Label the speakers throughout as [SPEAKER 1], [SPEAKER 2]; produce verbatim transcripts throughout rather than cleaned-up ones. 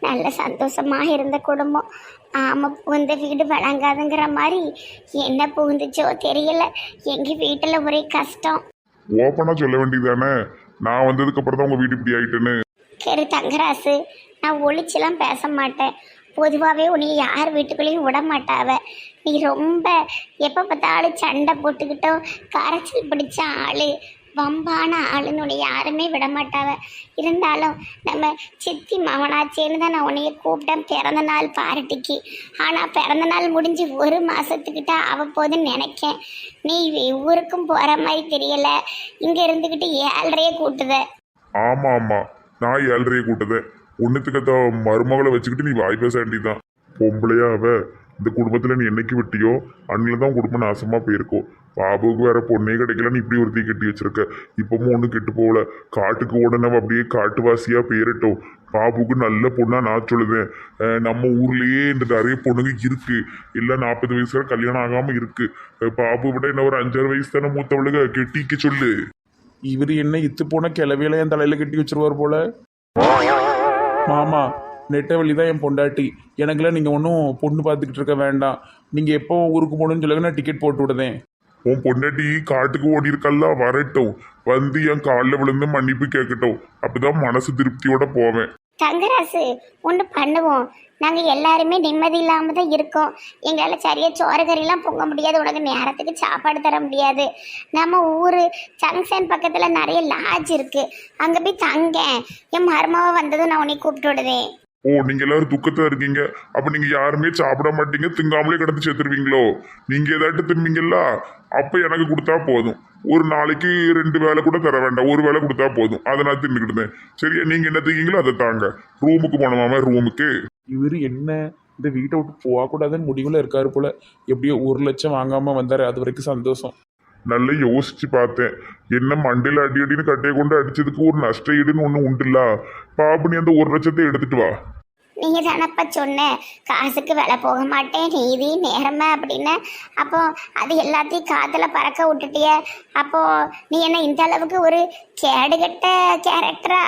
[SPEAKER 1] நல்ல சந்தோஷமா இருந்த குடும்பம். ஆமா, புகுந்த வீடு வழங்காதுங்கிற மாதிரி என்ன புகுந்துச்சோ தெரியல. எங்க வீட்டுல ஒரே கஷ்டம்.
[SPEAKER 2] ஓப்பனா சொல்ல வேண்டியதானே, நான் வந்ததுக்கு அப்புறம் தான் உங்க வீடு இப்படி ஆயிட்டுன்னு.
[SPEAKER 1] சரி தங்கராசு, நான் ஒளிச்செல்லாம் பேச மாட்டேன். பொதுவாகவே உன்னை யார் வீட்டுக்குள்ளேயும் விட மாட்டாவ. நீ ரொம்ப எப்போ பார்த்தாலும் சண்டை போட்டுக்கிட்டோ கரைச்சல் பிடிச்ச ஆள், வம்பான ஆளுன்னு உன்னை யாருமே விட மாட்டாவ. இருந்தாலும் நம்ம சித்தி மவனாச்சேன்னு தான் நான் உன்னைய கூப்பிட்டேன் பிறந்த நாள் பார்ட்டிக்கு. ஆனால் பிறந்த நாள் முடிஞ்சு ஒரு மாதத்துக்கிட்ட ஆக போகுதுன்னு நினைக்கேன். நீ ஊருக்கும் போகிற மாதிரி தெரியலை, இங்கே இருந்துக்கிட்டு ஏழ்றையே கூட்டுத.
[SPEAKER 2] ஆமா ஆமா, நான் ஏழ்றையை கூட்டதேன். ஒன்னுத்துக்கத்த மருமகளை வச்சுக்கிட்டு நீ வாய் பேச வேண்டியதான். பொம்பளையா அவ இந்த குடும்பத்துல நீ என்னைக்கு விட்டியோ அன்னில தான் குடும்பம் நாசமா போயிருக்கோம். பாபுவுக்கு வேற பொண்ணே கிடைக்கலன்னு இப்படி ஒருத்தி கட்டி வச்சிருக்க. இப்பவும் ஒன்றும் கெட்டு போகல. காட்டுக்கு உடனே அப்படியே காட்டுவாசியா போயிரட்டும். பாபுக்கு நல்ல பொண்ணா நான் சொல்லுவேன். நம்ம ஊர்லயே இந்த நிறைய பொண்ணுங்க இருக்கு. இல்லை நாற்பது வயசுல கல்யாணம் ஆகாம இருக்கு. பாபு விட என்ன ஒரு அஞ்சாறு வயசு தானே மூத்தவளுக, கெட்டிக்க சொல்லு.
[SPEAKER 3] இவர் என்ன இத்து போன கிளவியில என் தலையில கட்டி வச்சிருவார் போல. மாமா, நெட்டவழி தான் என் பொண்டாட்டி. எனக்குலாம் நீங்கள் ஒன்றும் பொண்ணு பார்த்துக்கிட்டு இருக்க வேண்டாம். நீங்கள் எப்போ ஊருக்கு போகணுன்னு சொல்லுங்க, நான் டிக்கெட் போட்டு விடுதேன்.
[SPEAKER 2] உன் பொண்டாட்டி காட்டுக்கு ஓடி இருக்கல்ல, வரட்டும். வந்து என் காலில் விழுந்து மன்னிப்பு கேட்கட்டும். அப்பதான் மனசு திருப்தியோட போவேன்.
[SPEAKER 1] தங்கராசு, ஒன்று பண்ணுவோம். நாங்கள் எல்லாருமே நிம்மதி இல்லாமல் தான் இருக்கோம். எங்களால் சரியாக சோறு கறியெல்லாம் பொங்க முடியாது, உனக்கு நேரத்துக்கு சாப்பாடு தர முடியாது. நம்ம ஊர் ஜங்ஷன் பக்கத்தில் நிறைய லாட்ஜ் இருக்குது, அங்கே போய் தங்க. என் மருமாவை வந்ததும் நான் உன்னை கூப்பிட்டு விடுதேன்.
[SPEAKER 2] ஓ, நீங்க எல்லாரும் துக்கத்துல இருக்கீங்க. அப்ப நீங்க யாருமே சாப்பிட மாட்டீங்க, திங்காமலே கிடந்து சேர்த்துருவீங்களோ? நீங்க ஏதாட்டு திம்பீங்களா? அப்ப எனக்கு கொடுத்தா போதும். ஒரு நாளைக்கு ரெண்டு வேலை கூட தர வேண்டாம், ஒரு வேலை கொடுத்தா போதும். அதை நான் தின்னுக்கிட்டேன். சரியா? நீங்க என்ன திங்கீங்களோ அதை தாங்க. ரூமுக்கு போனோமாம, ரூமுக்கு.
[SPEAKER 3] இவர் என்ன இந்த வீட்டை விட்டு போகக்கூடாதுன்னு முடிவில் இருக்காரு போல. எப்படியோ ஒரு லட்சம் வாங்காமல் வந்தார், அது வரைக்கும் சந்தோஷம்.
[SPEAKER 2] நல்லா யோசிச்சு பார்த்தேன். என்ன மண்டையில் அடி அடின்னு கட்டையை கொண்டு அடிச்சதுக்கு ஒரு நஷ்ட ஈடுன்னு ஒன்று உண்டுல்ல. பாபு, நீ அந்த ஒரு லட்சத்தை எடுத்துட்டு வா.
[SPEAKER 1] நீங்கள் தானப்பா சொன்ன காசுக்கு விலை போக மாட்டேன், நீதி நேரமா அப்படின்னு. அப்போ அது எல்லாத்தையும் காத்துல பறக்க விட்டுட்டிய. அப்போ நீ என்ன இந்த அளவுக்கு ஒரு கேடுகட்ட கேரக்டரா?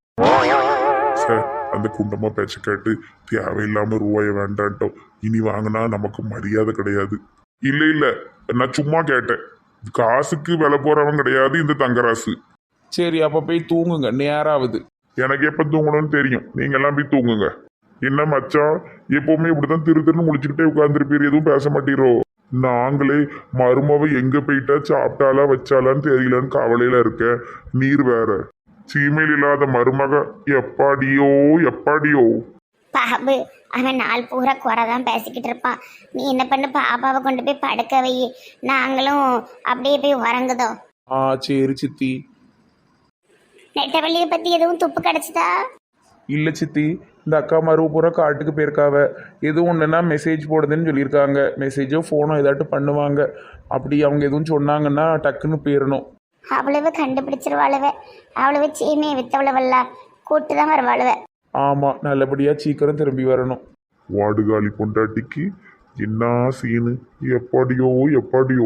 [SPEAKER 2] சார், அந்த குண்டமா பேச்ச கேட்டு தேவையில்லாம ரூபாய வேண்டான்ட்டோம். இனி வாங்கினா நமக்கு மரியாதை கிடையாது. இல்ல இல்ல, நான் சும்மா கேட்டேன். காசுக்கு விலை போறவன் கிடையாது இந்த தங்கராசு.
[SPEAKER 3] சரி, அப்போ போய் தூங்குங்க, நேராகுது.
[SPEAKER 2] எனக்கு எப்ப தூங்கணும்னு தெரியும். நீங்க எல்லாம் போய் தூங்குங்க. என்ன மச்சான், எப்பவுமே இப்படித்தான் திரு திருன்னு முடிச்சுக்கிட்டே உட்கார்ந்துருப்பீர், எதுவும் பேச மாட்டீரோ? நாங்களே மருமவை எங்க போயிட்டா சாப்பிட்டாலா வச்சாலான்னு தெரியலன்னு கவலையில இருக்க. நீர் வேற சீமையில் இல்லாத மருமக. எப்பாடியோ எப்பாடியோ.
[SPEAKER 1] பாபு, அவன் நாள் பூரா குறை தான் பேசிக்கிட்டு இருப்பான். நீ என்ன பண்ணு, பாப்பாவை கொண்டு போய் படுக்க வை. நாங்களும் அப்படியே போய் உறங்குதோம்.
[SPEAKER 3] ஆ சரி சித்தி.
[SPEAKER 1] நெட்டவள்ளியை பத்தி எதுவும் துப்பு கிடைச்சதா?
[SPEAKER 3] இல்லை சித்தி, இந்த அக்கா மருவு பூரா காட்டுக்கு போயிருக்காவ. எதுவும் ஒன்றுனா மெசேஜ் போடுதுன்னு சொல்லியிருக்காங்க. மெசேஜோ ஃபோனோ ஏதாட்டு பண்ணுவாங்க. அப்படி அவங்க எதுவும் சொன்னாங்கன்னா டக்குன்னு போயிடணும்.
[SPEAKER 1] அவ்வளவு கண்டுபிடிச்சிருவாளுவ. அவ்வளவு சீமையை வித்தவளவல்ல, கூட்டு தான் வருவாளுவ.
[SPEAKER 3] ஆமாம், நல்லபடியாக சீக்கிரம் திரும்பி வரணும்.
[SPEAKER 2] வாடுகாலி பொண்டாட்டிக்கு என்ன சீனு. எப்பாடியோ எப்பாடியோ.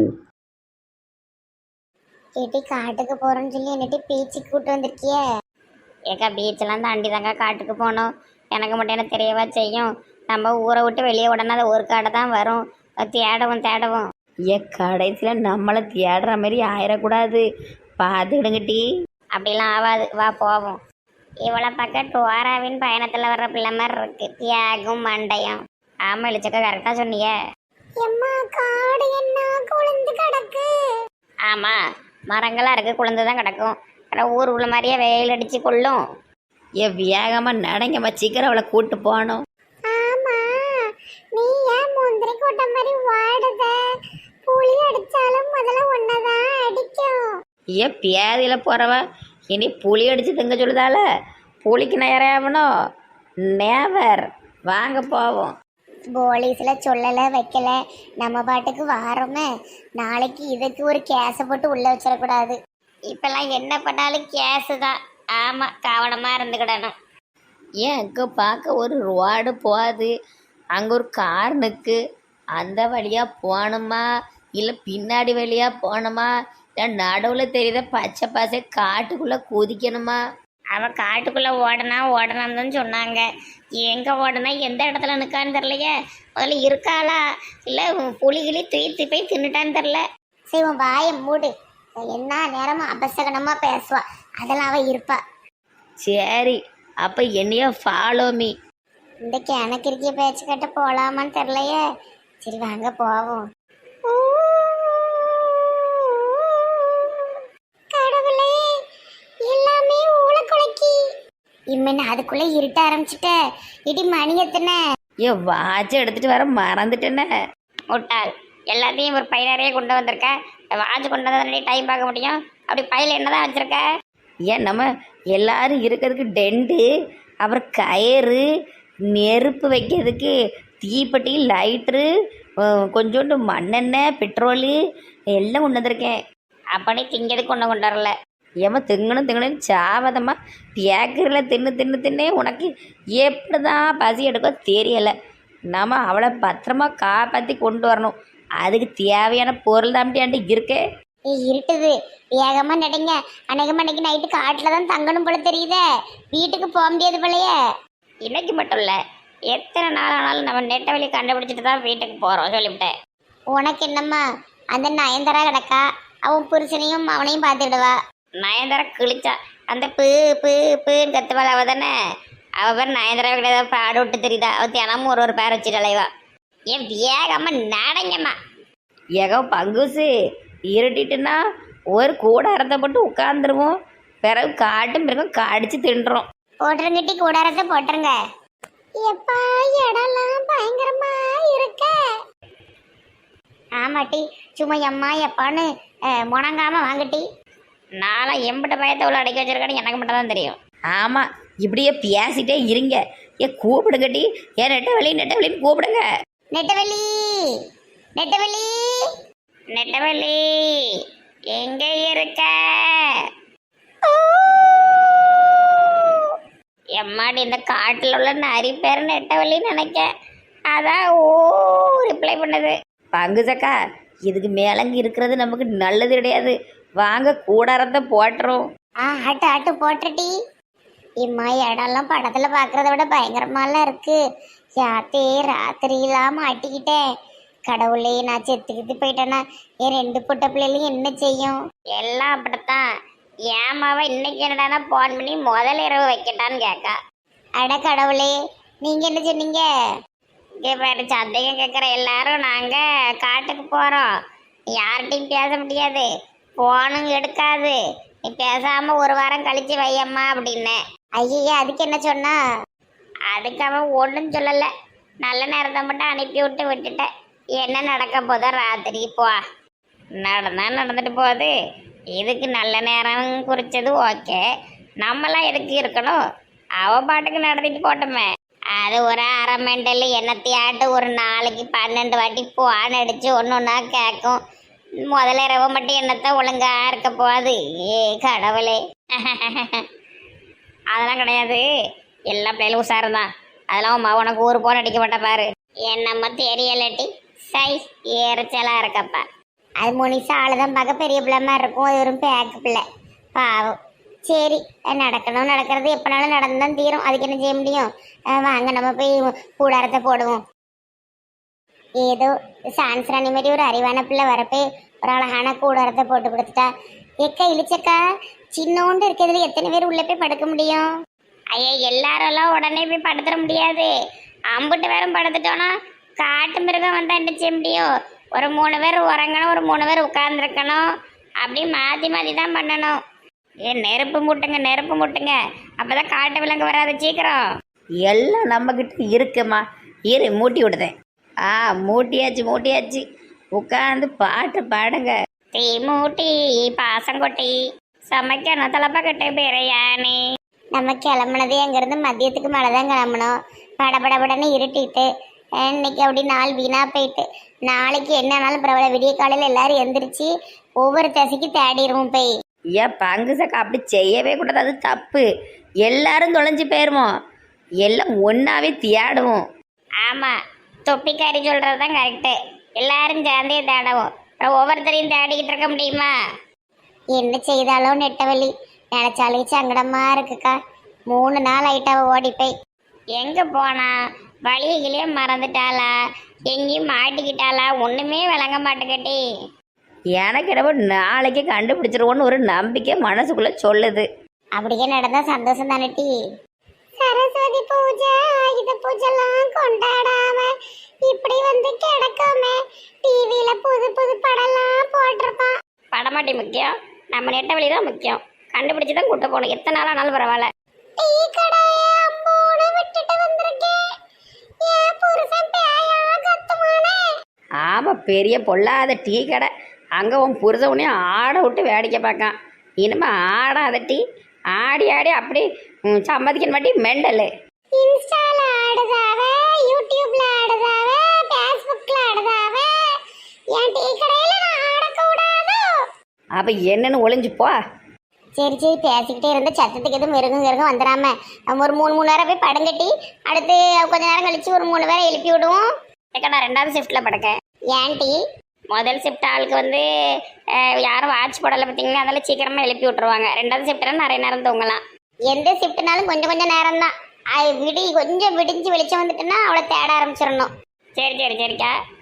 [SPEAKER 1] கேட்டி காட்டுக்கு போறோம்னு சொல்லி என்னட்டி பீச்சுக்கு கூட்டு வந்திருக்கிய? ஏக்கா, பீச்செல்லாம் தாண்டி தாங்க காட்டுக்கு போனோம். எனக்கு மட்டும் என்ன தெரியவா செய்யும்? நம்ம ஊரை விட்டு வெளியே உடனே அது ஒரு கடை தான் வரும். தேடவும் தேடவும்
[SPEAKER 4] ஏ கடைசியில் நம்மளை தேடுற மாதிரி ஆயிடக்கூடாது, பார்த்துக்கிடுங்கட்டி.
[SPEAKER 1] அப்படிலாம் ஆகாது, வா போவோம். இவ்வளோ பக்கம் டோராவின் பயணத்தில் வர்ற பிள்ளை மாதிரி இருக்கு, தியாகும் மண்டையும். ஆமாம் இழிச்சக்கா, கரெக்டாக சொன்னிய. காடு என்ன குளிர்ந்து கிடக்கு. ஆமாம், மரங்களாக இருக்குது, குளிர்ந்து தான் கிடக்கும். ஆனால் ஊர் உள்ள மாதிரியே வெயில் அடித்து கொள்ளும்.
[SPEAKER 4] ஏ வேகமாக நடங்கம்மா, சீக்கிரம் அவளை கூட்டு போகணும்.
[SPEAKER 1] ஆமாம், நீ ஏன் முந்திரி கொட்டை மாதிரி வாடுத? புளி அடித்தாலும் முதல்ல ஒன்னதான் அடிக்கும்.
[SPEAKER 4] ஏ பியாதியில் போகிறவ இனி புளி அடித்து திங்க சொல்லுதால, புளிக்கு நேராகணும். நேவர், வாங்க போவோம்.
[SPEAKER 1] போலீஸில் சொல்லலை வைக்கல, நம்ம பாட்டுக்கு வாரோமே. நாளைக்கு இதுக்கு ஒரு கேஸை போட்டு உள்ளே வச்சிடக்கூடாது. இப்போல்லாம் என்ன பண்ணாலும் கேஸு தான். ஆமாம், கவனமாக இருந்துக்கிடணும்.
[SPEAKER 4] ஏன் அங்கே பார்க்க ஒரு ரோடு போகுது, அங்கே ஒரு கார் நிற்கு. அந்த வழியாக போகணுமா இல்லை பின்னாடி வழியாக போகணுமா இல்லை நடுவில் தெரியுத பச்சை பசை காட்டுக்குள்ளே குதிக்கணுமா?
[SPEAKER 1] அவ காட்டுக்குள்ள ஓடனா ஓடனான்னு தான் சொன்னாங்க. எங்க ஓடனா எந்த இடத்துல நிக்கான்னு தெரியலையே. முதல்ல இருக்காளா இல்ல புலிகிளி தூக்கி போய் தின்னுட்டான்னு தெரியல. சரி உன் வாயை மூடு. என்ன நேரமும் அபசகனமா பேசுவா. அதெல்லாம் அவ இருப்பா.
[SPEAKER 4] சரி அப்போ என்னையோ ஃபாலோ மீ.
[SPEAKER 1] இந்த கிணக்கு இருக்கிய பேச்சு கட்ட போலாமான்னு தெரியலையே. சரி வாங்க போவோம். கடவுளே எல்லாமே ஊழக்குலைக்கி. இம்மன் அதுக்குள்ள இருட்ட ஆரம்பிச்சுட்ட. இடி மணி எத்தனை?
[SPEAKER 4] ஏ வாட்சை எடுத்துட்டு வர மறந்துட்டேனே.
[SPEAKER 1] முட்டாள், எல்லாத்தையும் ஒரு பையனரையே கொண்டு வந்திருக்க. வாட்ச் கொண்டு வந்தா டைம் பார்க்க முடியும். அப்படி பையில என்னதான் வச்சிருக்க?
[SPEAKER 4] ஏன் நம்ம எல்லாரும் இருக்கிறதுக்கு டெண்டு, அப்புறம் கயிறு, நெருப்பு வைக்கிறதுக்கு தீப்பெட்டி, லைட்ரு, கொஞ்சோண்டு மண்ணெண்ணெய், பெட்ரோலு எல்லாம் கொண்டு வந்திருக்கேன்.
[SPEAKER 1] அப்படி திங்கிறதுக்கு ஒன்று கொண்டு வரல.
[SPEAKER 4] ஏமா திங்கணும் திங்கணும் சாவதம்மா பேக்கரியில் தின்னு தின்னு தின்னே உனக்கு எப்படி தான் பசி எடுக்கோ தெரியலை. நம்ம அவளை பத்திரமா காப்பாற்றி கொண்டு வரணும். அதுக்கு தேவையான பொருள் தாம்பியாண்டு இருக்கே.
[SPEAKER 1] ஏய், இருட்டுது, வேகமா நடங்க. அநேகமா இன்னைக்கு நைட்டு காட்டுல தான் தங்கணும் போல தெரியுதே. வீட்டுக்கு போக முடியாது போலயே. இன்னைக்கு மட்டும் இல்ல, எத்தனை நாள் ஆனாலும் நம்ம நெட்ட வழி கண்டுபிடிச்சிட்டு தான் வீட்டுக்கு போறோம் சொல்லிவிட்டேன். உனக்கு என்னம்மா அந்த நயன்தாரா கிடக்கா. அவன் புருஷனையும் அவனையும் பார்த்துடுவா. நயன்தாரா கிழிச்சா அந்த பு பு புன்னு கத்துவாள். அவ தானே அவ பேர் நயன்தாரா கிடையாது. பாடு விட்டு தெரியுதா? அவ தினமும் ஒரு ஒரு பேர் வச்சுட்டு அலைவா. ஏன் வேகமா நடங்கம்மா.
[SPEAKER 4] ஏகோ பங்குசு இருட்டிட்டுன்னா ஒரு கூடாரத்தை போட்டு உட்காந்துருவோம். பிறகு காட்டும் பிறகு கடிச்சு தின்றோம்.
[SPEAKER 1] போட்டுருங்கட்டி கூடாரத்தை போட்டுருங்க. எப்பா இடம்லாம் பயங்கரமா இருக்க. ஆமாட்டி சும்மா எம்மா எப்பான்னு முணங்காம வாங்கட்டி. நானும் எம்பிட்ட பயத்தை உள்ள அடைக்க வச்சிருக்கேன்னு எனக்கு மட்டும் தான் தெரியும்.
[SPEAKER 4] ஆமாம் இப்படியே பேசிட்டே இருங்க. ஏ கூப்பிடுங்கட்டி. ஏன் நெட்டவெளி நெட்டவெளின்னு கூப்பிடுங்க.
[SPEAKER 1] நெட்டவெளி நெட்டவெளி நெட்டவெளி எங்க இருக்க? எம்மாடி இந்த காட்டில் உள்ள நரி பேர் நெட்டவெளின்னு நினைக்க. அதான் ஓ ரிப்ளை பண்ணுது.
[SPEAKER 4] பங்குசக்கா இதுக்கு மேலங்க இருக்கிறது நமக்கு நல்லது கிடையாது. வாங்க கூடாரத்தை போட்டுரும்.
[SPEAKER 1] ஆ ஆட்டு ஆட்டு போட்டுட்டி. இம்மா இடம்லாம் படத்துல பாக்குறத விட பயங்கரமாலாம் இருக்கு. யாத்தே ராத்திரிலாம் மாட்டிக்கிட்டேன். கடவுளே நான் செத்துக்கிட்டு போயிட்டேன்னா என் ரெண்டு புட்ட பிள்ளைகளையும் என்ன செய்யும்? எல்லாம் அப்படித்தான். ஏமாவ இன்னைக்கு என்னடானா போன் பண்ணி முதல் இரவு வைக்கட்டான்னு கேட்கா. அட கடவுளே நீங்க என்ன சொன்னீங்க? இங்கே பேரு சந்தேகம் கேட்குற எல்லாரும் நாங்க காட்டுக்கு போறோம். யார்கிட்டையும் பேச முடியாது. போனும் எடுக்காது. நீ பேசாம ஒரு வாரம் கழிச்சு வையம்மா அப்படின்னு. ஐயா அதுக்கு என்ன சொன்னா? அதுக்கு அவன் ஒன்றும் சொல்லலை. நல்ல நேரத்தை மட்டும் அனுப்பி விட்டு விட்டுட்டேன். என்ன நடக்க போதோ ராத்திரி போ. நடந்தா நடந்துட்டு போகுது. இதுக்கு நல்ல நேரம் குறிச்சது ஓகே. நம்மளாம் எதுக்கு இருக்கணும்? அவ பாட்டுக்கு நடத்திட்டு போட்டோமே. அது ஒரு அரை மெண்டல் என்னத்தையாட்டு ஒரு நாளைக்கு பன்னெண்டு வாட்டி போன் அடிச்சு ஒன்று ஒன்றா கேட்கும். முதல்ல இரவு மட்டும் என்னத்தான் ஒழுங்கா இருக்க போகுது. ஏ கடவுளே. அதெல்லாம் கிடையாது. எல்லா பிள்ளைகளும் உஷாருதான். அதெல்லாம் உமா உனக்கு ஒரு போன் அடிக்க மாட்டா பாரு. என்னம்மா தெரியலட்டி சை ஏறச்சலா இருக்கப்பா. அது முனிசா ஆளுதான் பார்க்க பெரிய பிள்ளை மாதிரி இருக்கும். அது ஒரு பேக்கு பிள்ளை பாவம். சரி நடக்கணும். நடக்கிறது எப்பனாலும் நடந்துதான் தீரும். அதுக்கு என்ன செய்ய முடியும்? வாங்க நம்ம போய் கூடாரத்தை போடுவோம். ஏதோ சான்ஸ்ராணி மாதிரி ஒரு அறிவான பிள்ளை வரப்போ ஒரு அழகான கூடாரத்தை போட்டு கொடுத்துட்டா. எக்கா இழிச்சக்கா சின்னோண்டு இருக்கிறதுல எத்தனை பேர் உள்ள போய் படுக்க முடியும்? ஐயா எல்லாரெல்லாம் உடனே போய் படுத்துட முடியாது. அம்புட்டு பேரும் படுத்துட்டோன்னா காட்டு மிருகம் வந்தா என்ன செய்ய முடியும்? ஒரு மூணு பேர் உறங்கணும், ஒரு மூணு பேர் உட்கார்ந்துருக்கணும். அப்படி மாற்றி மாற்றி தான் பண்ணணும். ஏ நெருப்பு மூட்டுங்க நெருப்பு மூட்டுங்க. அப்போதான் காட்டு விலங்கு வராது சீக்கிரம்.
[SPEAKER 4] எல்லாம் நம்மக்கிட்ட இருக்குமா? இரு மூட்டி விடுதேன். ஆ மூட்டியாச்சு மூட்டியாச்சு. உட்காந்து பாட்டு பாடுங்க.
[SPEAKER 1] தீ மூட்டி பாசங்கொட்டி சமைக்கணும் தலைப்பக்கட்டு பிரியாணி. நம்ம கிளம்புனதே அங்கேருந்து மதியத்துக்கு மேலே தான் கிளம்பணும். படபடபடன்னு இருட்டிட்டு இன்னைக்கு அப்படி நாள் வீணா போயிட்டு. நாளைக்கு என்னன்னாலும் பரவாயில்ல, விடிய காலையில் எல்லாரும் எந்திரிச்சு ஒவ்வொரு தசைக்கு தேடிடுவோம் போய்.
[SPEAKER 4] ஏன் பங்கு சக்கா அப்படி செய்யவே கூடாது. அது தப்பு. எல்லாரும் தொலைஞ்சு போயிடுவோம். எல்லாம் ஒன்றாவே தேடுவோம்.
[SPEAKER 1] ஆமாம் தொப்பிக்காரி சொல்கிறது தான் கரெக்டு. எல்லாரும் சேர்ந்தே தேடவும். அப்புறம் ஒவ்வொருத்தரையும் தேடிக்கிட்டு இருக்க முடியுமா? என்ன செய்தாலும் நெட்டவழி நினைச்சாலும் சங்கடமா இருக்குக்கா. மூணு நாள் ஆயிட்டாவ ஓடி போய். எங்க போனா? வழியிலே மறந்துட்டாளா? எங்கேயும் மாட்டிக்கிட்டாளா? ஒண்ணுமே விளங்க மாட்டேங்கட்டி.
[SPEAKER 4] எனக்கு என்னவோ நாளைக்கு கண்டுபிடிச்சிருவோன்னு ஒரு நம்பிக்கை மனசுக்குள்ள சொல்லுது.
[SPEAKER 1] அப்படியே நடந்தா சந்தோஷம் தானே டி. சரஸ்வதி பூஜை ஆயுத பூஜைலாம் கொண்டாடாம இப்படி வந்து கிடக்குமே. டிவியில புது புது படம்லாம் போட்டிருப்பான்.
[SPEAKER 5] படமாட்டி முக்கியம், நம்ம நெட்ட வழி தான் முக்கியம். கண்டுபிடிச்சு தான் கூட்ட போகணும். எத்தனை நாள் ஆனாலும் பரவாயில்ல.
[SPEAKER 1] டீ கடையை அம்மோடு விட்டுட்டு வந்திருக்கேன். என் புருஷன் பேயா கத்துமானே.
[SPEAKER 4] ஆமாம், பெரிய பொல்லாத டீ கடை. அங்கே உன் புரித உடனே ஆட விட்டு வேடிக்கை பார்க்கான். இனிமே ஆடாத டீ. ஆடி ஆடி அப்படி ம், சம்மதிக்க மாட்டி மெண்டலு.
[SPEAKER 1] இன்ஸ்டால ஆடுதாவ, யூடியூப்ல ஆடுதாவ, ஃபேஸ்புக்ல ஆடுதாவ. என் டீ கடையில நான் ஆடக்கூடாதோ?
[SPEAKER 4] அப்போ என்னன்னு ஒளிஞ்சு போ.
[SPEAKER 1] சரி சரி பேசிக்கிட்டே இருந்த சத்தத்துக்கு எதுவும் மிருகம் மிருகம் வந்துடாம நம்ம ஒரு மூணு மூணு நேரம் போய் படுங்கட்டி அடுத்து கொஞ்ச நேரம் கழிச்சு ஒரு மூணு பேரை எழுப்பி விடுவோம்.
[SPEAKER 5] ஏக்கா நான் ரெண்டாவது ஷிஃப்ட்ல படுக்கேன்.
[SPEAKER 1] ஏன்டி?
[SPEAKER 5] முதல் ஷிஃப்ட் ஆளுக்கு வந்து அஹ், யாரும் வாட்ச் போடலை பார்த்தீங்கன்னா அதெல்லாம் சீக்கிரமா எழுப்பி விட்டுருவாங்க. ரெண்டாவது ஷிஃப்ட்னா நிறைய நேரம் தூங்கலாம்.
[SPEAKER 1] எந்த ஷிஃப்ட்னாலும் கொஞ்சம் கொஞ்சம் நேரம் தான். விடி கொஞ்சம் விடிஞ்சு வெளிச்சம் வந்துட்டுன்னா அவளை தேட ஆரம்பிச்சிடணும்.
[SPEAKER 5] சரி சரி சரிக்கா.